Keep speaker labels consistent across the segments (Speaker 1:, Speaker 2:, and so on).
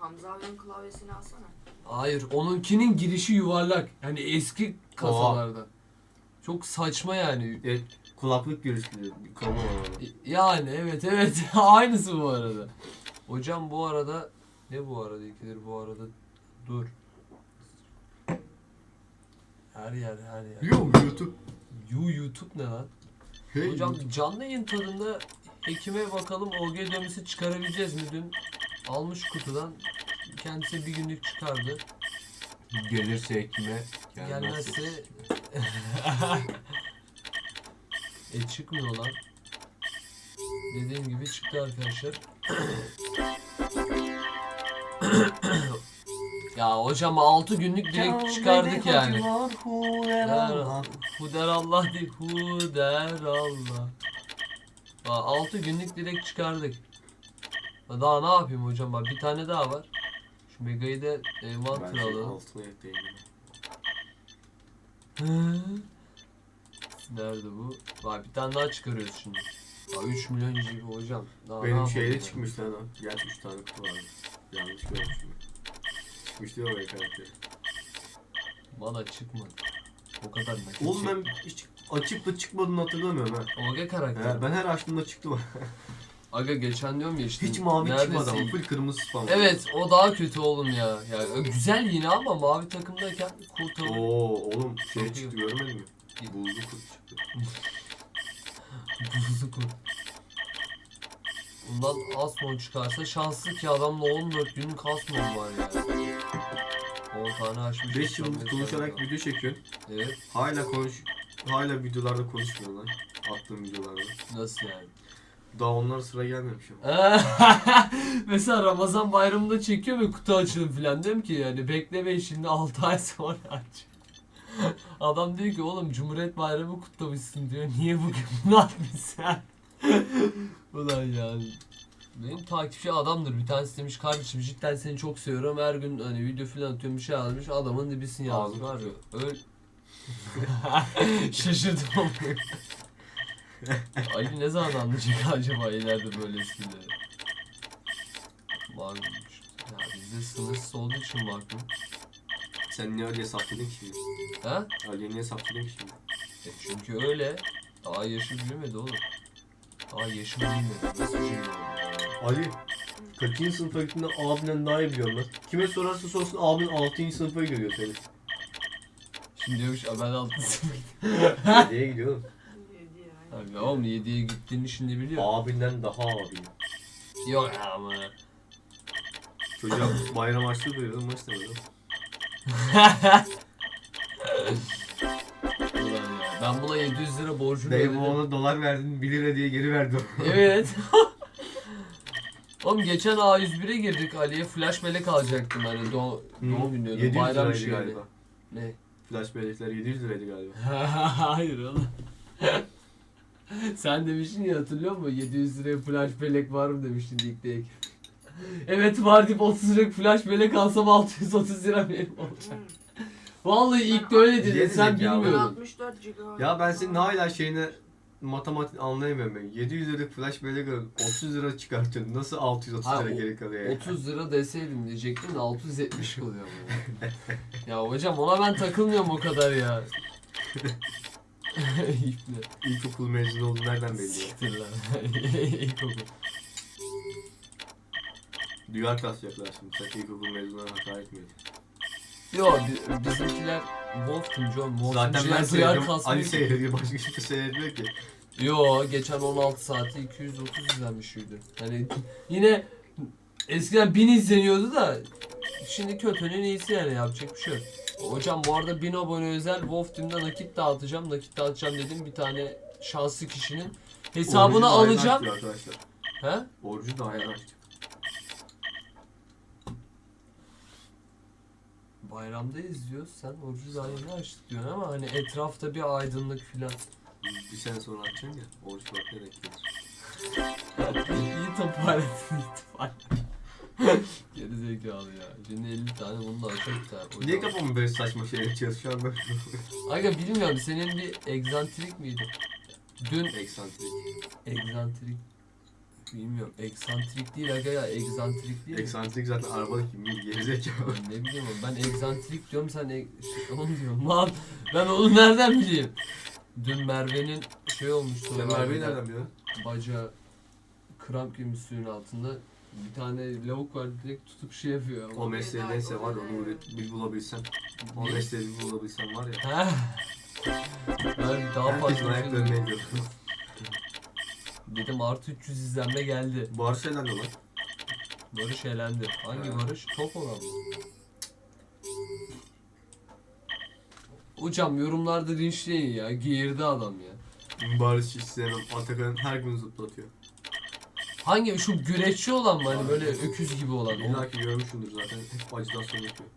Speaker 1: Hamza abinin klavyesini alsana.
Speaker 2: Hayır, onunkinin girişi yuvarlak. Yani eski kasalarda. Çok saçma yani.
Speaker 3: Kulaklık girişli. Mikrofon.
Speaker 2: Yani evet aynısı bu arada. Hocam bu arada ne bu arada ikidir bu arada dur. Her yer.
Speaker 3: YouTube.
Speaker 2: YouTube ne lan?
Speaker 3: Hey,
Speaker 2: Hocam canlı yayın tadında Ekim'e bakalım OG dövmesi çıkarabileceğiz mi? Dün almış kutudan kendisi bir günlük çıkardı.
Speaker 3: gelirse Ekim'e
Speaker 2: Gelmezse çıkmıyor lan. Dediğim gibi çıktı arkadaşlar. Ya hocam 6 günlük direkt çıkardık yani. Huder Allah değil, Huder Allah. 6 günlük direkt çıkardık. Daha ne yapayım hocam, bak bir tane daha var. Şu Mega'yı da envanter alalım.
Speaker 3: Altına ekleyeyim.
Speaker 2: Nerede bu? Bak bir tane daha çıkarıyoruz şimdi. 3 milyon GB hocam. Daha ne
Speaker 3: Benim
Speaker 2: yapalım
Speaker 3: şeyde
Speaker 2: ya?
Speaker 3: çıkmış lan o. Gerçi 3 tane kutu vardı. Yanlış görmüşüm. Çıkmış diyor oraya karakteri.
Speaker 2: Bana çıkmadı. O kadar nakit
Speaker 3: Oğlum ben hiç açıp da çıkmadığını hatırlamıyorum ha.
Speaker 2: OG karakter.
Speaker 3: Ben her açtığımda çıktı mı?
Speaker 2: Aga geçen diyorum ya işte.
Speaker 3: Hiç mavi
Speaker 2: neredeyse
Speaker 3: çıkmadı ama
Speaker 2: ilk-
Speaker 3: full kırmızı spam.
Speaker 2: Evet o daha kötü oğlum ya. Ya güzel yine ama mavi takımdayken kurtarır.
Speaker 3: Oo oğlum şey
Speaker 2: Çok
Speaker 3: çıktı
Speaker 2: iyi.
Speaker 3: görmedin mi? Buzlu kurt çıktı.
Speaker 2: Buzlu kurt. Bundan Asmon çıkarsa şanslı ki adamla 14 günlük Asmon var ya. 10 tane açmış.
Speaker 3: 5 yıldır
Speaker 2: 95
Speaker 3: konuşarak
Speaker 2: tane.
Speaker 3: video çekiyorsun.
Speaker 2: Evet.
Speaker 3: Hala videolarda konuşmuyor lan. Attığım videolarda.
Speaker 2: Nasıl yani?
Speaker 3: Daha onlara sıra gelmemiş ama.
Speaker 2: Mesela Ramazan bayramında çekiyor ve kutu açılım falan, diyorum ki yani beklemeyin şimdi 6 ay sonra aç. Adam diyor ki oğlum Cumhuriyet Bayramı kutlamışsın diyor. Niye bugün bunu atmışsın? Ulan yani. Benim takipçi adamdır. Bir tanesi demiş kardeşim cidden seni çok seviyorum. Her gün hani video falan atıyorum bir şey yazmış. Adamın dibisini yazmış. Var ya. Öyle. Şaşırdım onu. Ali ne zaman anlayacak acaba ileride böyle eskileri? Varmış. Ya bizde sınırsız olduğu için bakma.
Speaker 3: Sen niye Ali'ye sapladın ki şimdi?
Speaker 2: Ha?
Speaker 3: Ali'ye niye sapladın ki şimdi?
Speaker 2: Çünkü öyle. Daha yaşı büyümedi oğlum. Daha yaşı büyümedi. Nasıl büyümedi?
Speaker 3: Ali, kaçıncı sınıfa gittiğinde abinden daha iyi biliyorum lan. Kime sorarsa sorsun abin 6. sınıfa gidiyor seni.
Speaker 2: Şimdi diyormuş ben 6 sınıf.
Speaker 3: 7'ye gidiyor oğlum.
Speaker 1: 7 ya.
Speaker 2: Abi oğlum 7'ye gittiğini şimdi biliyor.
Speaker 3: Abinden daha abi.
Speaker 2: Yok ya ama.
Speaker 3: Çocuğa bayram açlığı duyuyordum maç demedim.
Speaker 2: Ulan ya. Ben buna 700 lira borcunu
Speaker 3: Dayı
Speaker 2: ödedim.
Speaker 3: ona dolar verdin 1 lira diye geri verdi.
Speaker 2: Evet. Oğlum geçen A101'e girdik. Ali'ye flash melek alacaktım hani doğum günü diyordum.
Speaker 3: 700
Speaker 2: Bayram
Speaker 3: liraydı
Speaker 2: şeyi.
Speaker 3: galiba.
Speaker 2: Ne?
Speaker 3: Flash bellekler 700 liraydı galiba.
Speaker 2: Hayır oğlum. Sen demiştin ya, hatırlıyor musun? 700 liraya flash bellek var mı demiştin ilk. Evet var deyip 30 lira flash bellek alsam 630 lira benim olacak. Vallahi ilk de öyle dedin,
Speaker 3: Yedecek
Speaker 2: sen
Speaker 3: ya.
Speaker 2: bilmiyordun.
Speaker 1: 64 GB.
Speaker 3: Ya ben senin hala şeyine matematik anlayamıyorum ben. 700 liralık flash bellek alıp 30 lira çıkartıyorsun. Nasıl 630
Speaker 2: Ha,
Speaker 3: lira geri kalıyor ya?
Speaker 2: 30 lira deseydim diyecektim de 670 kalıyor ama. Ya hocam ona ben takılmıyorum o kadar ya. İple.
Speaker 3: İlkokul mezunu olduğu nereden belli ya?
Speaker 2: Siktir lan. İlkokul.
Speaker 3: Duyar kasacaklar şimdi. Sen ilkokul mezununa hakaret etmiyor.
Speaker 2: Yo bizimkiler Wolf Team John. Wolf
Speaker 3: Zaten ben
Speaker 2: Team'ciler duyar
Speaker 3: seyrediyorum.
Speaker 2: kasmayı.
Speaker 3: Ali seyrediyor. Başka kimse seyretmiyor ki.
Speaker 2: Yo geçen 16 saati 230 izlenmiş video. Hani yine eskiden 1000 izleniyordu da şimdi kötünün iyisi yani, yapacak bir şey yok. Hocam bu arada 1000 abone özel Wolf Team'de nakit dağıtacağım. Nakit dağıtacağım dedim, bir tane şanslı kişinin hesabını
Speaker 3: Orucu da aynen
Speaker 2: alacağım.
Speaker 3: açtı arkadaşlar.
Speaker 2: He?
Speaker 3: Orucu da aynen açtı.
Speaker 2: Bayramda izliyoruz. Sen orucu daha yeni açtık diyorsun ama hani etrafta bir aydınlık filan.
Speaker 3: Bir sene sonra açacaksın ya. Oruç vakti denk gelir.
Speaker 2: İyi toparladın itibaren. Geri zekalı ya. Şimdi 50 tane bunu da açıp da.
Speaker 3: Niye kafamı böyle saçma şeyler çalışıyor ben?
Speaker 2: Aga bilmiyorum, senin bir egzantrik miydi? Dün
Speaker 3: Eksantrik.
Speaker 2: egzantrik. Bilmiyorum. Eksantrik değil aga ya. Egzantrik değil mi?
Speaker 3: Eksantrik zaten arabadaki mil gerizekalı.
Speaker 2: Ne bileyim oğlum, ben egzantrik diyorum, sen onu diyorsun lan. Ben onu nereden bileyim? Dün Merve'nin şey olmuştu.
Speaker 3: Sen Merve'yi nereden biliyorsun?
Speaker 2: Bacağı kramp girmiş suyun altında. Bir tane lavuk var, direkt tutup şey yapıyor.
Speaker 3: O mesleği neyse var ya, onu bir bulabilsem. O
Speaker 2: Ne?
Speaker 3: mesleği bir bulabilsem var ya.
Speaker 2: Heh. Ben daha
Speaker 3: Herkesin
Speaker 2: fazla
Speaker 3: ayaklarına
Speaker 2: şey
Speaker 3: ediyor.
Speaker 2: dedim, artı 300 izlenme geldi.
Speaker 3: Barış elendi lan.
Speaker 2: Barış elendi. Hangi
Speaker 3: Ha.
Speaker 2: Barış? Top olan mı? Hocam yorumlarda linçleyin ya. Geğirdi adam ya.
Speaker 3: Barış hiç sevmem. Atakan her gün zıplatıyor.
Speaker 2: Hangi? Şu güreşçi olan mı? Hani böyle öküz gibi olan.
Speaker 3: İlla ki görmüşsündür zaten. Hep acitasyon yapıyor.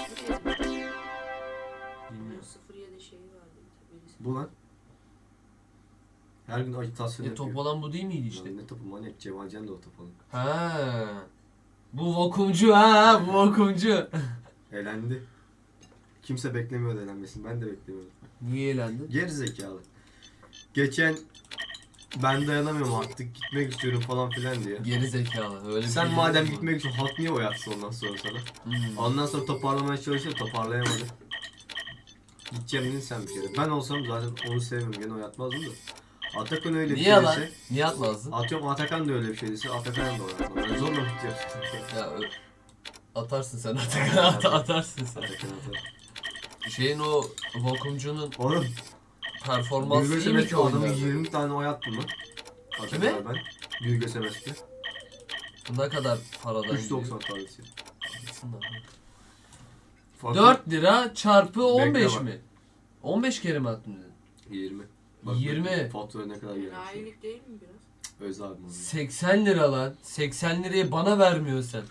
Speaker 1: 07 şeyi vardı. Birisi.
Speaker 3: Bu lan. Her gün acitasyon yapıyor.
Speaker 2: Top olan bu değil miydi işte?
Speaker 3: Lan ne topu manyak. Cemal Can da o top alın.
Speaker 2: Ha. Bu vakumcu ha, bu vakumcu.
Speaker 3: Elendi. Kimse beklemiyordu elenmesini. Ben de beklemiyordum.
Speaker 2: Niye elendin?
Speaker 3: Geri zekalı. Geçen ben dayanamıyorum artık gitmek istiyorum falan filan diye.
Speaker 2: Geri zekalı. Öyle bir
Speaker 3: Sen
Speaker 2: şey
Speaker 3: madem
Speaker 2: değil mi?
Speaker 3: gitmek için halk niye oy atsın ondan sonra sana?
Speaker 2: Hmm.
Speaker 3: Ondan sonra toparlamaya çalıştı, toparlayamadı. Gideceğim dedin sen bir kere. Ben olsam zaten onu sevmiyorum, gene oy atmazdım da. Atakan öyle bir
Speaker 2: Niye
Speaker 3: şey
Speaker 2: lan?
Speaker 3: dese,
Speaker 2: Niye atmazdın?
Speaker 3: atıyorum Atakan da öyle bir şey dese, Atakan da oy atmaz. Ben zorla mı gidiyorum?
Speaker 2: Ya atarsın sen Atakan, atarsın sen.
Speaker 3: Atakan atar.
Speaker 2: Şeyin o vakumcunun
Speaker 3: Oğlum,
Speaker 2: performansı
Speaker 3: Gülge
Speaker 2: iyi mi ki
Speaker 3: Semes'te adamı
Speaker 2: oyunda?
Speaker 3: 20 tane oy attım lan.
Speaker 2: Kime?
Speaker 3: Atakan'a ben. Gülge Semes'te.
Speaker 2: Ne kadar paradan
Speaker 3: 3.90 tanesi.
Speaker 2: gidiyor?
Speaker 3: Farkı
Speaker 2: 4 lira çarpı 15
Speaker 3: bak.
Speaker 2: mi? 15 kere mi attın dedin?
Speaker 3: 20.
Speaker 2: 20.
Speaker 3: Fatura ne kadar gelmiş.
Speaker 1: Enayilik değil mi biraz?
Speaker 3: Öz abim onu.
Speaker 2: 80 lira lan. 80 lirayı bana vermiyorsun sen.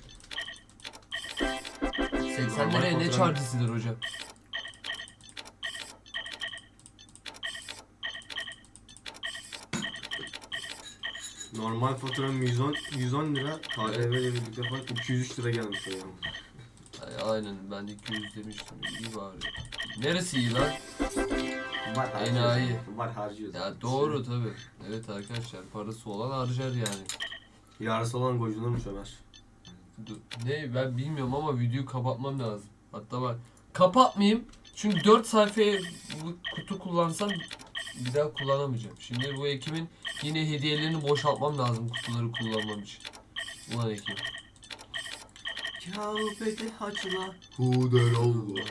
Speaker 2: 80
Speaker 3: Normal
Speaker 2: liraya ne
Speaker 3: faturanın-
Speaker 2: çarjısıdır hocam?
Speaker 3: Normal faturam 110 lira. KDV ile birlikte falan 203 lira gelmiş o yani.
Speaker 2: Aynen, ben de 200 demiştim. İyi bari. Neresi iyi lan?
Speaker 3: Var
Speaker 2: Enayi.
Speaker 3: harcıyoruz. Var harcıyoruz.
Speaker 2: Ya doğru tabi. Evet arkadaşlar, parası olan harcar yani.
Speaker 3: Yarısı olan gocunurmuş Ömer.
Speaker 2: Ne, ben bilmiyorum ama videoyu kapatmam lazım. Hatta bak, kapatmayayım. Çünkü 4 sayfaya bu kutu kullansam bir daha kullanamayacağım. Şimdi bu Ekim'in yine hediyelerini boşaltmam lazım kutuları kullanmam için. Ulan Ekim.
Speaker 3: Kâbeti haçla huder Allah.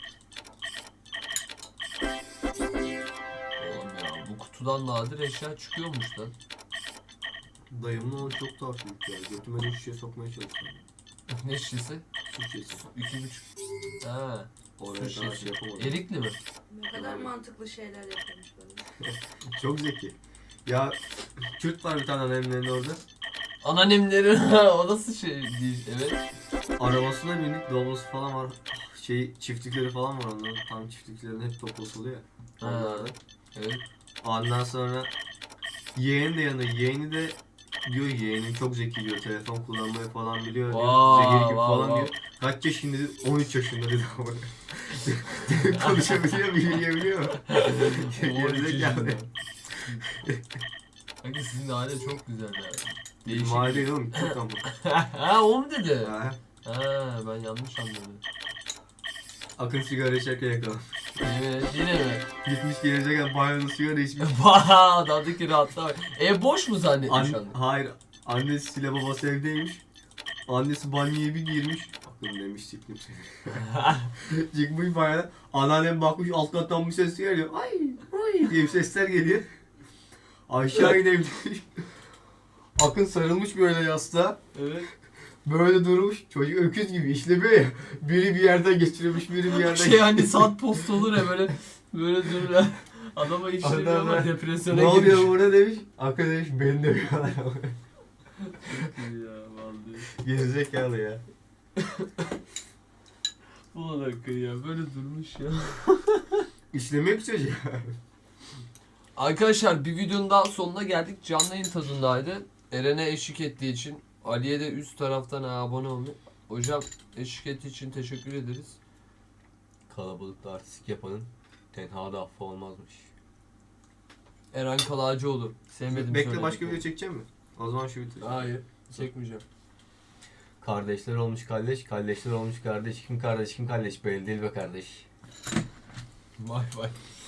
Speaker 2: Oğlum ya, bu kutudan nadir eşya çıkıyormuş lan.
Speaker 3: Dayımın onu çok daha büyük ya. Götüme de şişe sokmaya çalıştım.
Speaker 2: Ne şişesi?
Speaker 3: Su şişesi.
Speaker 2: 2,5. Ha.
Speaker 3: Oraya
Speaker 2: Su
Speaker 3: kadar
Speaker 2: şişesi.
Speaker 3: şey yapamadım.
Speaker 2: Erikli mi?
Speaker 1: Ne kadar mantıklı şeyler yapmış böyle.
Speaker 3: Çok zeki. Ya Kürt var bir tane annemlerin orada.
Speaker 2: Anneannemlerin o nasıl şey değil, evet.
Speaker 3: Arabasına bindik, dolusu falan var. Şey çiftlikleri falan var onların. Tam çiftliklerin hep toplası oluyor ya.
Speaker 2: Ha.
Speaker 3: Onlarda.
Speaker 2: Evet.
Speaker 3: Ondan sonra yeğen de yanında. Yeğeni de diyor yeğenim çok zeki diyor. Telefon kullanmayı falan biliyor diyor.
Speaker 2: Wow,
Speaker 3: Zehir gibi
Speaker 2: wow,
Speaker 3: falan
Speaker 2: wow.
Speaker 3: diyor. Kaç yaşında dedi? 13 yaşında dedi ama. Konuşabiliyor mu? Yürüyebiliyor mu? Gerizekalı.
Speaker 2: Kanka sizin aile çok güzel ya.
Speaker 3: Bizim aile değil oğlum. Kürt ama.
Speaker 2: Ha, o mu dedi?
Speaker 3: Ha.
Speaker 2: Ha, ben yanlış anladım.
Speaker 3: Akın sigara içerken yakalamış.
Speaker 2: Evet, yine mi?
Speaker 3: Gitmiş gelecekken banyoda sigara içmiş.
Speaker 2: Vaa, adamdaki rahatlığa bak. Boş mu zannetmiş anne?
Speaker 3: Hayır. Annesiyle babası evdeymiş. Annesi banyoya bir girmiş. Akın demiş siktim seni. Çıkmış banyodan. Anneannem bakmış alt kattan bir ses geliyor. Ay ay diye bir sesler geliyor. Aşağı inebilmiş. Akın sarılmış böyle yastığa.
Speaker 2: Evet.
Speaker 3: Böyle durmuş. Çocuk öküz gibi işlemiyor ya. Biri bir yerden geçiremiş, biri bir yerden
Speaker 2: Şey hani saat post olur ya böyle durur ya. Adama işlemiyor ama
Speaker 3: Adam,
Speaker 2: depresyona
Speaker 3: ne
Speaker 2: girmiş.
Speaker 3: oluyor burada demiş. Akın demiş beni dövüyorlar.
Speaker 2: Ya vallahi.
Speaker 3: Gerizekalı ya.
Speaker 2: Ulan dakika ya, böyle durmuş ya.
Speaker 3: İşlemiyor ki çocuğu.
Speaker 2: Arkadaşlar, bir videonun daha sonuna geldik. Canlı yayın tadındaydı. Eren'e eşlik ettiği için, Ali'ye de üst taraftan abone olmayı. Hocam, eşlik ettiği için teşekkür ederiz.
Speaker 3: Kalabalıkta artistik yapanın tenhada affı olmazmış.
Speaker 2: Eren Kalacıoğlu. Sevmedim
Speaker 3: Bekle
Speaker 2: söyledik
Speaker 3: başka
Speaker 2: mi?
Speaker 3: video çekeceğim mi? O zaman şu bitir.
Speaker 2: Hayır. Çekmeyeceğim.
Speaker 3: Kardeşler olmuş kardeş, kardeşler olmuş kardeş. Kim kardeş, kim kardeş? Belli değil be kardeş.
Speaker 2: Vay vay.